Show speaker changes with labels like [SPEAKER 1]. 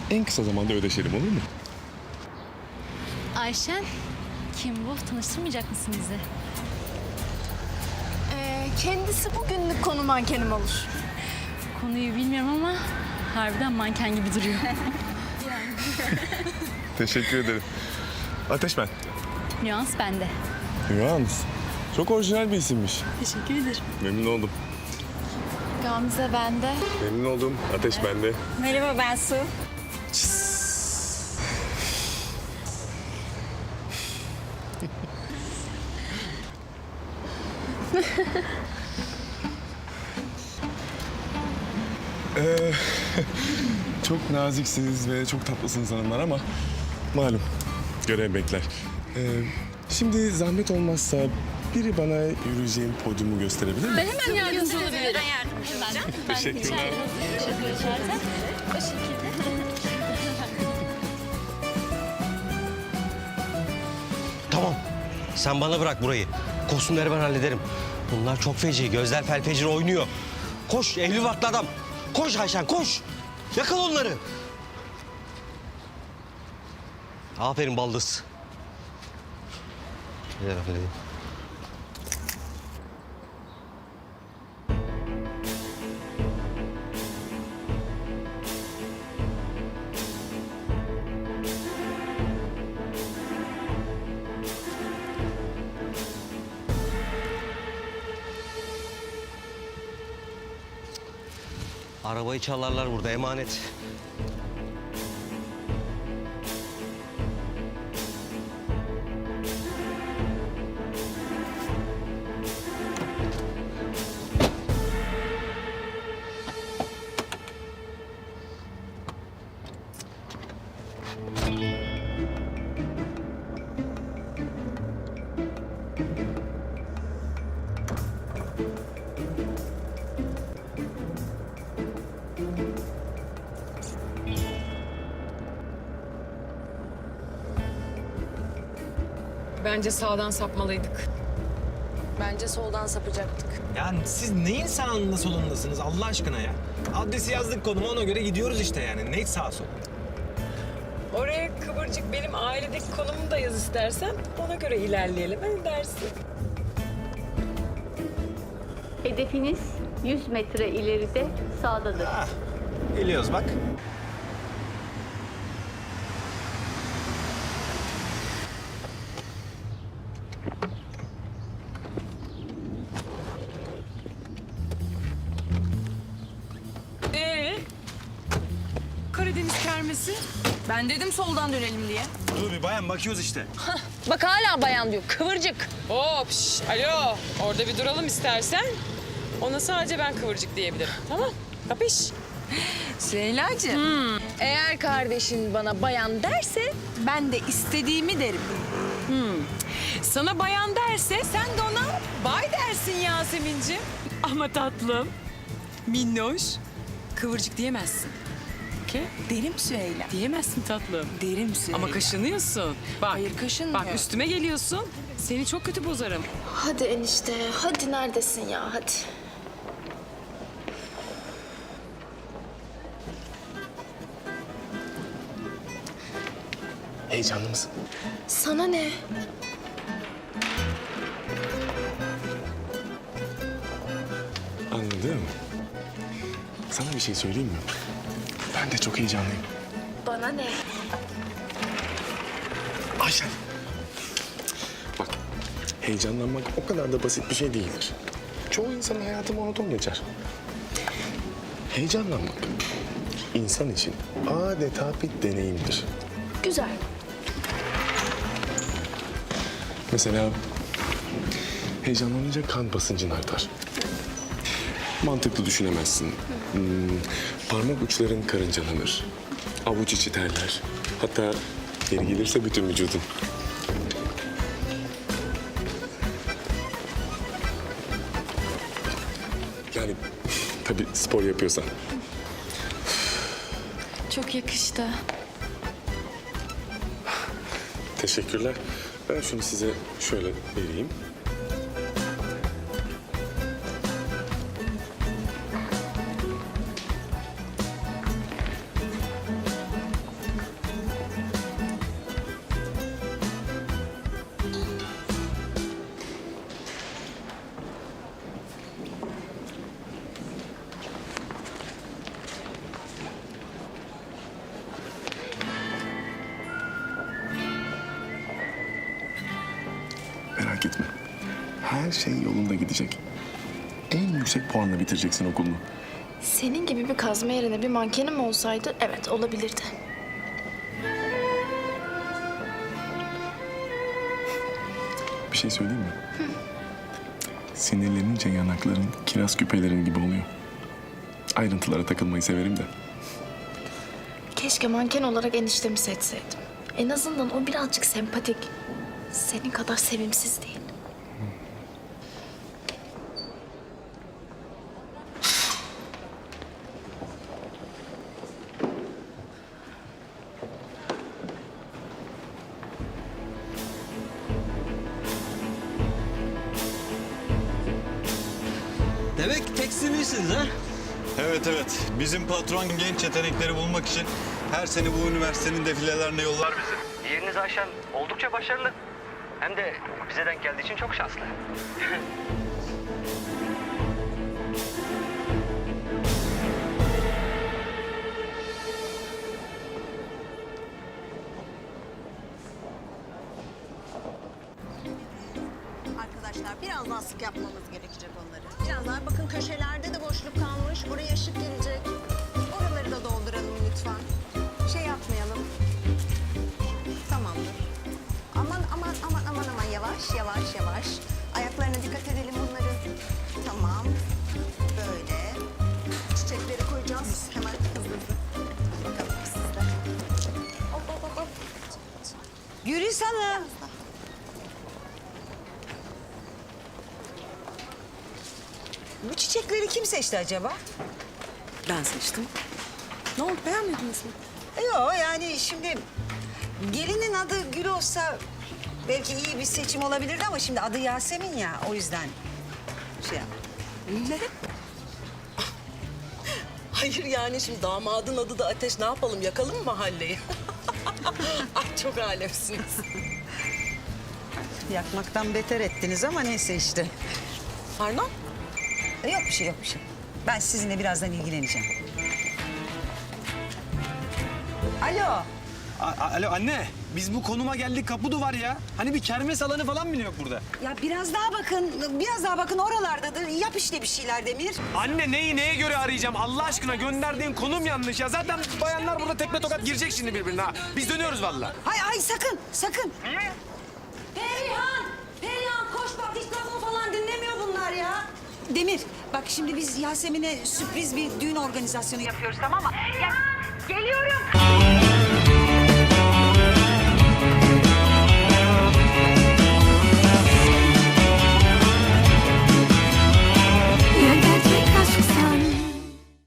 [SPEAKER 1] en kısa zamanda ödeşelim, olur mu?
[SPEAKER 2] Ayşen, kim bu? Tanıştırmayacak mısın bizi?
[SPEAKER 3] Kendisi bugünlük konu mankenim olur.
[SPEAKER 2] Konuyu bilmiyorum ama harbiden manken gibi duruyor.
[SPEAKER 1] Teşekkür ederim. Ateş ben.
[SPEAKER 2] Nüans bende.
[SPEAKER 1] Yalnız çok orijinal bir isimmiş.
[SPEAKER 2] Teşekkür ederim.
[SPEAKER 1] Memnun oldum.
[SPEAKER 3] Gamze bende.
[SPEAKER 1] Memnun oldum. Ateş bende.
[SPEAKER 3] Merhaba ben Su.
[SPEAKER 1] Çok naziksiniz ve çok tatlısınız hanımlar ama malum görev bekler. Şimdi zahmet olmazsa biri bana yürüyeceğim podyumu gösterebilir mi?
[SPEAKER 2] Hemen yardımcı olabilirim.
[SPEAKER 1] Teşekkürler.
[SPEAKER 2] O şekilde.
[SPEAKER 4] Tamam. Sen bana bırak burayı. Kostümleri ben hallederim. Bunlar çok feci. Gözler felfecir oynuyor. Koş evli barklı adam. Koş Ayşen koş. Yakal onları. Aferin baldız. Ver bakayım. Arabayı çalarlar burada emanet.
[SPEAKER 5] Bence sağdan sapmalıydık.
[SPEAKER 6] Bence soldan sapacaktık.
[SPEAKER 7] Yani siz neyin sağında solundasınız Allah aşkına ya? Adresi yazdık konuma ona göre gidiyoruz işte yani. Ne sağ sol?
[SPEAKER 5] Oraya Kıvırcık benim ailedeki konumu da yaz istersen. Ona göre ilerleyelim dersin.
[SPEAKER 8] Hedefiniz 100 metre ileride sağdadır.
[SPEAKER 7] Ah, geliyoruz bak.
[SPEAKER 5] Karadeniz kermesi.
[SPEAKER 6] Ben dedim soldan dönelim diye.
[SPEAKER 7] Dur bir bayan bakıyoruz işte.
[SPEAKER 6] Bak hala bayan diyor. Kıvırcık.
[SPEAKER 5] Hop alo. Orada bir duralım istersen. Ona sadece ben Kıvırcık diyebilirim. Tamam. Kapış.
[SPEAKER 6] Süheyla'cığım. Eğer kardeşin bana bayan derse ben de istediğimi derim.
[SPEAKER 5] Sana bayan derse sen de ona bay dersin Yasemin'ciğim. Ama tatlım, minnoş, Kıvırcık diyemezsin. Okey?
[SPEAKER 6] Derim Süheyla.
[SPEAKER 5] Diyemezsin tatlım.
[SPEAKER 6] Derim Süheyla.
[SPEAKER 5] Ama kaşınıyorsun. Bak,
[SPEAKER 6] Hayır, kaşınmıyor.
[SPEAKER 5] Bak üstüme geliyorsun. Seni çok kötü bozarım.
[SPEAKER 3] Hadi enişte, hadi neredesin ya, hadi.
[SPEAKER 1] Heyecanlı mısın?
[SPEAKER 3] Sana ne?
[SPEAKER 1] Anladım. Sana bir şey söyleyeyim mi? Ben de çok heyecanlıyım.
[SPEAKER 3] Bana ne?
[SPEAKER 1] Ayşen. Bak, heyecanlanmak o kadar da basit bir şey değildir. Çoğu insanın hayatı monoton geçer. Heyecanlanmak insan için adeta bir deneyimdir.
[SPEAKER 3] Güzel.
[SPEAKER 1] Mesela heyecanlanınca kan basıncın artar. Mantıklı düşünemezsin. Parmak uçların karıncalanır. Avuç içi terler. Hatta yeri gelirse bütün vücudun. Yani tabii spor yapıyorsan.
[SPEAKER 3] Çok yakıştı.
[SPEAKER 1] Teşekkürler. Ben şunu size şöyle vereyim. merak etme. Her şey yolunda gidecek. En yüksek puanla bitireceksin okulunu.
[SPEAKER 3] Senin gibi bir kazma yerine bir mankenim olsaydı evet olabilirdi.
[SPEAKER 1] Bir şey söyleyeyim mi? Sinirlenince yanakların kiraz küpelerin gibi oluyor. Ayrıntılara takılmayı severim de.
[SPEAKER 3] Keşke manken olarak eniştemi seçseydim. En azından o birazcık sempatik. Senin kadar sevimsiz değil.
[SPEAKER 4] Demek tekstilcisiniz ha?
[SPEAKER 9] Evet evet. Bizim patron genç yetenekleri bulmak için her sene bu üniversitenin defilelerine yollar bizi.
[SPEAKER 10] Yeriniz Ayşen oldukça başarılı. Hem de bize denk geldiği için çok şanslı.
[SPEAKER 11] Arkadaşlar biraz daha sık yapmamız gerekecek onları. Biraz daha bakın köşelerde de boşluk kalmış. Oraya ışık gelecek. Oraları da dolduralım lütfen. Şey yapmayalım. Tamamdır. Aman aman aman aman aman yavaş yavaş yavaş. Ayaklarına dikkat edelim bunların. Tamam. Böyle. Çiçekleri koyacağız. Hemen hızlı hızlı. Bakalım sizde. Hop hop hop hop.
[SPEAKER 6] Gülis Hanım. Bu çiçekleri kim seçti acaba?
[SPEAKER 11] Ben seçtim. Ne oldu beğenmediniz mi?
[SPEAKER 6] Yok yani şimdi gelinin adı Gül olsa belki iyi bir seçim olabilirdi ama şimdi adı Yasemin ya o yüzden şey yap.
[SPEAKER 11] Ne? Hayır yani şimdi damadın adı da Ateş. Ne yapalım yakalım mı mahalleyi? Ay çok alemsiniz.
[SPEAKER 6] Yakmaktan beter ettiniz ama neyse işte.
[SPEAKER 11] Pardon?
[SPEAKER 6] Yok bir şey yok bir şey. Ben sizinle birazdan ilgileneceğim. Alo.
[SPEAKER 7] Alo anne. Biz bu konuma geldik kapı duvar ya. Hani bir kermes alanı falan mı yok burada?
[SPEAKER 6] Ya biraz daha bakın oralardadır. Yap işte bir şeyler Demir.
[SPEAKER 7] Anne neyi neye göre arayacağım? Allah aşkına gönderdiğin konum yanlış ya. Zaten bayanlar burada tekme tokat girecek şimdi birbirine ha. Biz dönüyoruz vallahi.
[SPEAKER 6] Ay sakın. Perihan koş bak hiç lafımı falan dinlemiyor bunlar ya. Demir bak şimdi biz Yasemin'e sürpriz bir düğün organizasyonu yapıyoruz tamam mı?
[SPEAKER 8] Geliyorum.